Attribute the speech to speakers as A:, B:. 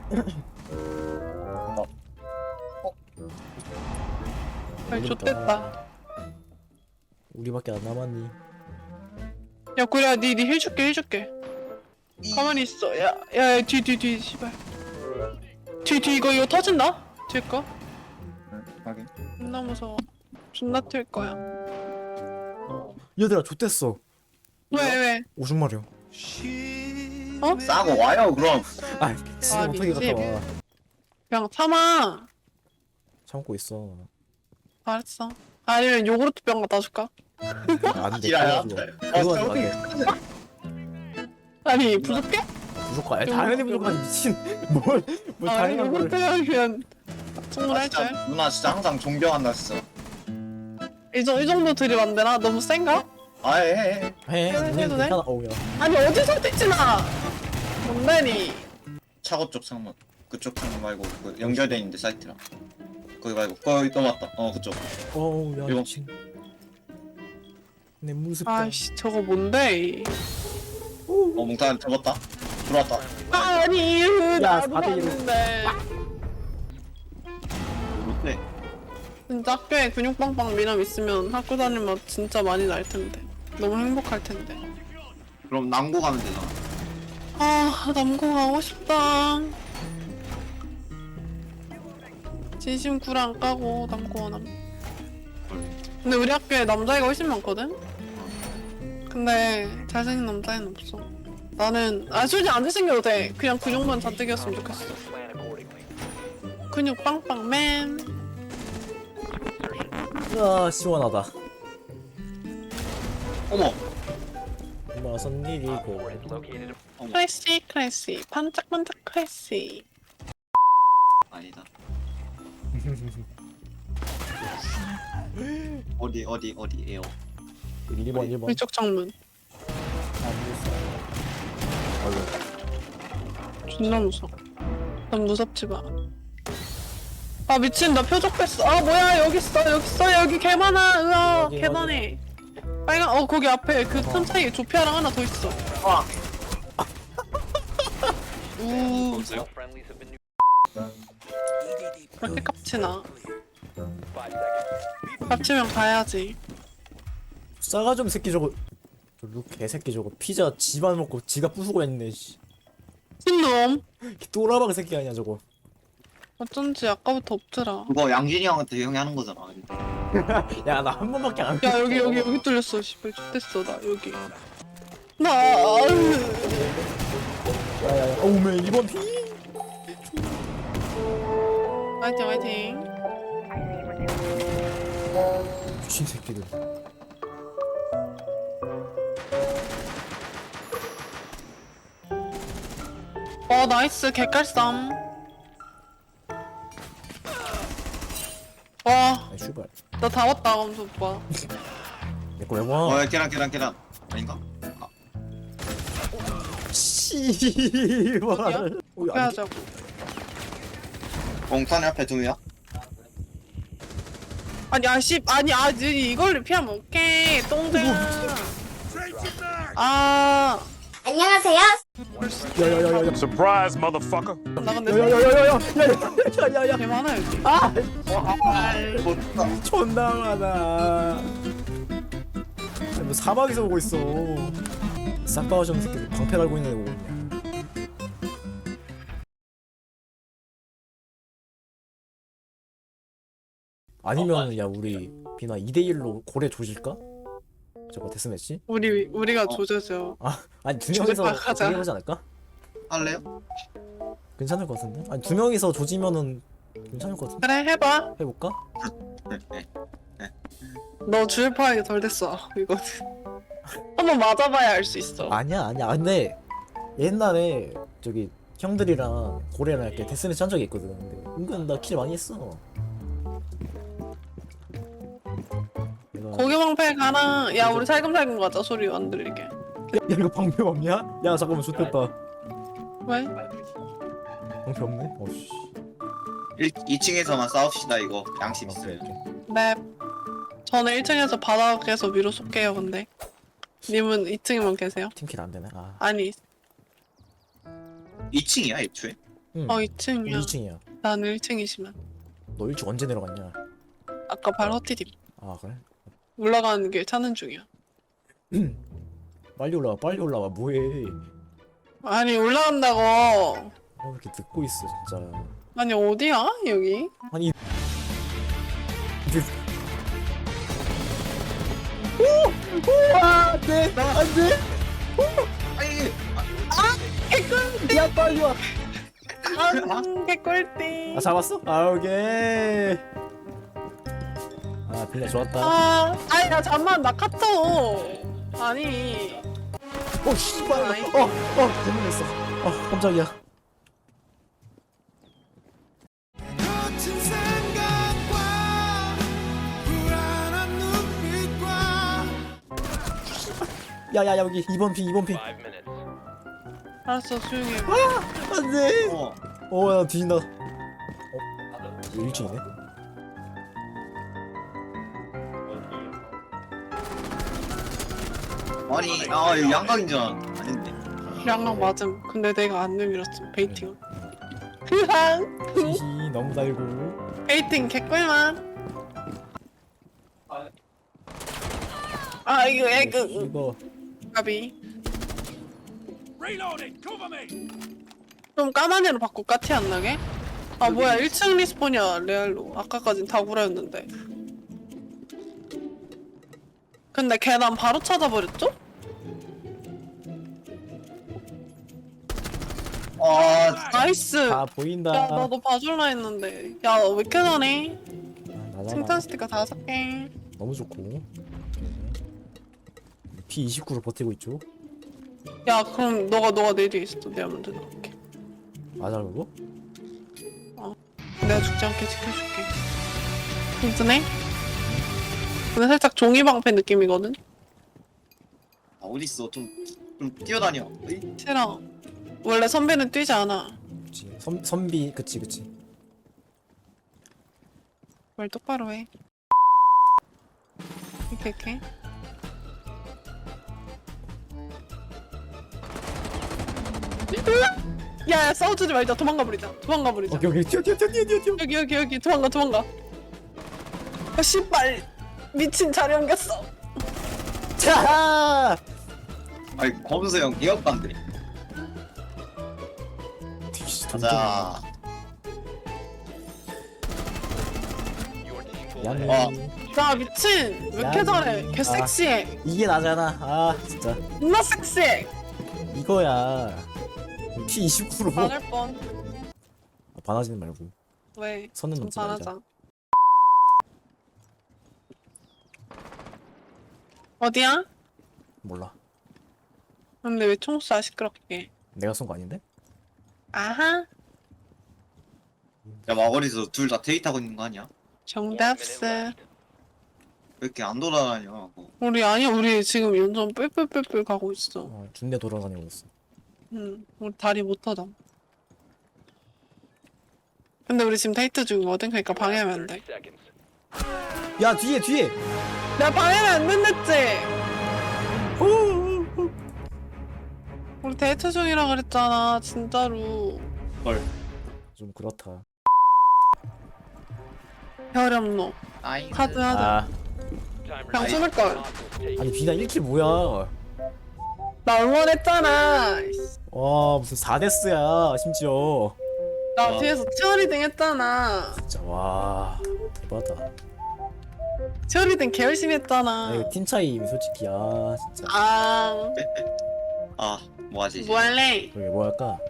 A: 아이 좋댔다.
B: 우리밖에 안 남았니?
A: 야 그래 니 해줄게. 가만히 있어. 야 뒤 씨발. 뒤 이거 터진다? 뒤에 거?
C: 확인.
A: 존나 무서워. 존나 튈 거야.
B: 얘들아 좆됐어.
A: 왜?
B: 오줌 마려.
A: 어?
C: 싸고 와요 그럼.
B: 아 지금 어떻게
A: 미치.
B: 갔다 와.
A: 그냥 참아.
B: 참고 있어.
A: 알았어. 아니면 요구르트 병 갖다 줄까?
B: 안돼.
C: 지랄.
B: 그거 안돼.
A: 아니 부족해?
B: 부족하. 당연히 부족하지 미친. 뭘 당연한
A: 요구르트
B: 걸.
A: 병이면 충분할 줄.
C: 누나 진짜 항상 존경한다 진짜.
A: 이 정도 들이면 안 되나? 너무 센가?
C: 아예
B: 해.
A: 해도
B: 우린
A: 돼?
B: 괜찮아. 어우야.
A: 아니 어디서 뜯지마. 뭔데니?
C: 차고 쪽 창문. 그쪽 창문 말고 그 연결돼 있는데 사이트랑. 거기 말고 거기 또 맞다. 그쪽.
B: 어우야
C: 이거.
B: 미친. 내 모습.
A: 아이씨 저거 뭔데?
C: 몽탄 잡았다. 들어왔다.
A: 아니 나도
B: 4대 1로.
A: 봤는데.
C: 롯데.
A: 진짜 학교에 근육빵빵 미남 있으면 학교 다니면 진짜 많이 날 텐데. 너무 행복할 텐데.
C: 그럼 남고 가면 되잖아.
A: 아 남고 가고 싶다. 진심 굴 안 까고 남고 원함. 근데 우리 학교에 남자애가 훨씬 많거든? 근데 잘생긴 남자애는 없어. 나는 솔직히 안 잘생겨도 돼. 그냥 근육만 잔뜩이었으면 좋겠어. 근육 빵빵 맨.
B: 아 시원하다.
C: 어머.
B: 무슨 일이고.
A: 클래시 반짝반짝 클래시.
C: 아니다. 어디에요?
B: 1번.
A: 위쪽 창문. 존나 무서워. 난 무섭지 마. 아 미친 나 표적 뺐어. 아 뭐야 여기 있어 여기 개 많아. 으아
B: 어디,
A: 개 많네. 빨간 거기 앞에 그 틈 사이에 조피아랑 하나 더 있어.
C: 아.
A: 우
C: 없어요?
A: 그렇게 깝치나. 깝치면 가야지.
B: 싸가지 없는 새끼 저거. 저루 개새끼 저거 피자 집안 먹고 지가 부수고 했네. 씨.
A: 신놈.
B: 또라박 새끼 아니야 저거.
A: 어쩐지 아까부터 없더라.
C: 그거 양진이 형한테 형이 하는 거잖아.
B: 야 나 한 번밖에 안.
A: 야 여기 뚫렸어. 씨발 X됐어 나 여기. 나
B: 야야야. 어우메 2번 피.
A: 화이팅.
B: 미친 새끼들.
A: 나이스 개깔쌈. 와,
B: 아이 슈발.
A: 나 다 왔다, 검수 오빠.
B: 내거 왜 와?
C: 계란. 아닌가?
B: 씨발.
A: 어떻게 하자고.
C: 몽탄이 앞에 두 명.
A: 아니, 이걸 피하면 오케이, 똥쟁아. 아,
D: 안녕하세요.
B: 야야야야야.
E: Surprise, motherfucker.
A: 나 근데
B: 야야야야야야야야야야.
A: 개 많아, 여기.
B: 아 존나 많아. 뭐 사막에서 오고 있어. 싹바오정 새끼들 방패 달고 있는 애 오고 있냐. 아니면 야 우리 비나 2대1로 고래 조질까? 저거 데스매치?
A: 우리가 조져줘.
B: 아니 두 명이서
A: 가자.
B: 조지하지 않을까?
C: 할래요?
B: 괜찮을 것 같은데? 아니 두 명이서 조지면은 괜찮을 것 같은데?
A: 그래, 해봐.
B: 해볼까?
A: 너 주유파하기 덜 됐어, 이거는. 한번 맞아봐야 알 수 있어.
B: 아니야 근데 옛날에 저기 형들이랑 고래랑 이렇게 데스매치 한 적이 있거든. 근데 은근 나 킬 많이 했어. 내가
A: 고기방패 가라. 야, 우리 살금살금 가자, 소리 안 들리게.
B: 야 이거 방패 없냐? 야 잠깐만 좋겠다.
A: 왜?
B: 방패 없네? 어씨.
C: 2층에서만 싸웁시다 이거. 양심
B: 오케이
C: 있어요.
B: 오케이.
A: 네. 저는 1층에서 바닥에서 위로 쏠게요, 근데. 님은 2층에만 계세요?
B: 팀킬 안 되네. 아.
A: 아니,
C: 2층이야 애초에?
B: 응.
A: 어
B: 우리
A: 2층이야.
B: 2층이야.
A: 나는 1층이지만
B: 너 일찍 언제 내려갔냐?
A: 아까 발 헛디딤.
B: 아 그래?
A: 올라가는 길 찾는 중이야.
B: 빨리 올라와 빨리 올라와 뭐해?
A: 아니 올라간다고.
B: 왜 이렇게 듣고 있어 진짜.
A: 아니 어디야 여기?
B: 아니 이제 안돼 안돼
C: 아니
B: 야 빨리 와.
A: 개꿀띠.
B: 아 잡았어? 아 오케이. 아 빌려 좋았다.
A: 아니 야 잠만 나 카톡. 아니
B: 어 씨발.
A: 아이.
B: 재밌었어. 깜짝이야.
D: 거친 생각과 불안한 눈빛과
B: 야야야 여기 2번 핑 2번 핑.
A: 알았어 조용히 해.
B: 안돼.
C: 어
B: 나 뒤진다. 1층이네.
C: 아니 아 이거 양각인 줄 아닌데
A: 양락 맞음. 근데 내가 안 내밀었음. 베이팅. 흐항.
B: 히히 너무 달고.
A: 베이팅 개꿀만. 아 이거 에그
B: 이거
A: 가비. 좀 까만 애로 바꿀까? 티 안 나게? 아 뭐야 1층 리스폰이야 레알로. 아까까진 다구라였는데. 근데 계단 바로 찾아버렸죠?
C: 아
A: 나이스.
B: 다 보인다.
A: 야 나도 봐줄라 했는데. 야 왜 이렇게 잘해?
B: 나잖아.
A: 칭찬 스티커 5개.
B: 너무 좋고. P29로 버티고 있죠.
A: 야 그럼 너가 내 뒤에 있어. 내가 먼저 나갈게.
B: 맞아 그거?
A: 내가 죽지 않게 지켜줄게. 괜찮네? 근데 살짝 종이방패 느낌이거든?
C: 아, 어딨어 좀 뛰어다녀 어이?
A: 싫어. 원래 선배는 뛰지 않아.
B: 그치. 선비 그치.
A: 말 똑바로 해. 이렇게. 야 싸워주지 말자. 도망가 버리자.
B: 오케이 뛰어.
A: 여기 도망가. 아 씨발 미친 자리 옮겼어.
B: 자.
C: 아니 검수형 기억반대 가자
B: 양이.
A: 나 미친. 왜 이렇게
B: 야,
A: 잘해? 개 섹시해.
B: 이게 나잖아. 아 진짜
A: 존나 섹시해.
B: 이거야. P29로
A: 반할 뻔.
B: 반하지는 말고
A: 왜?
B: 선은
A: 좀
B: 넘지 말자.
A: 잘하자. 어디야?
B: 몰라.
A: 근데 왜 총쏴 시끄럽게?
B: 내가 쏜 거 아닌데?
A: 아하.
C: 야 마거리에서 둘 다 데이트하고 있는 거 아니야?
A: 정답스.
C: 왜 이렇게 안 돌아다녀
A: 우리 지금 연전 뿔뿔뿔뿔 가고 있어.
B: 준대 돌아다니고 있어.
A: 우리 다리 못 터져. 근데 우리 지금 데이트 중이거든. 그러니까 방해하면 안 돼.
B: 야 뒤에.
A: 내가 방해를 안 된댔지. 우리 데이트 중이라 그랬잖아. 진짜로.
C: 헐
B: 좀 그렇다.
A: 혈염로.
C: 나이스
A: 카드 하자.
B: 아
A: 그냥 숨을 걸.
B: 아니 비나 1킬 뭐야?
A: 나 응원했잖아.
B: 와 무슨 4데스야 심지어.
A: 나 뒤에서 치어리딩 했잖아.
B: 진짜 와 대박이다.
A: 치어리딩 개 열심히 했잖아.
B: 아 이거 팀 차이 솔직히 진짜.
A: 아,
C: 아 뭐하지
A: 뭐 할래?
B: 그러게 뭐 할까?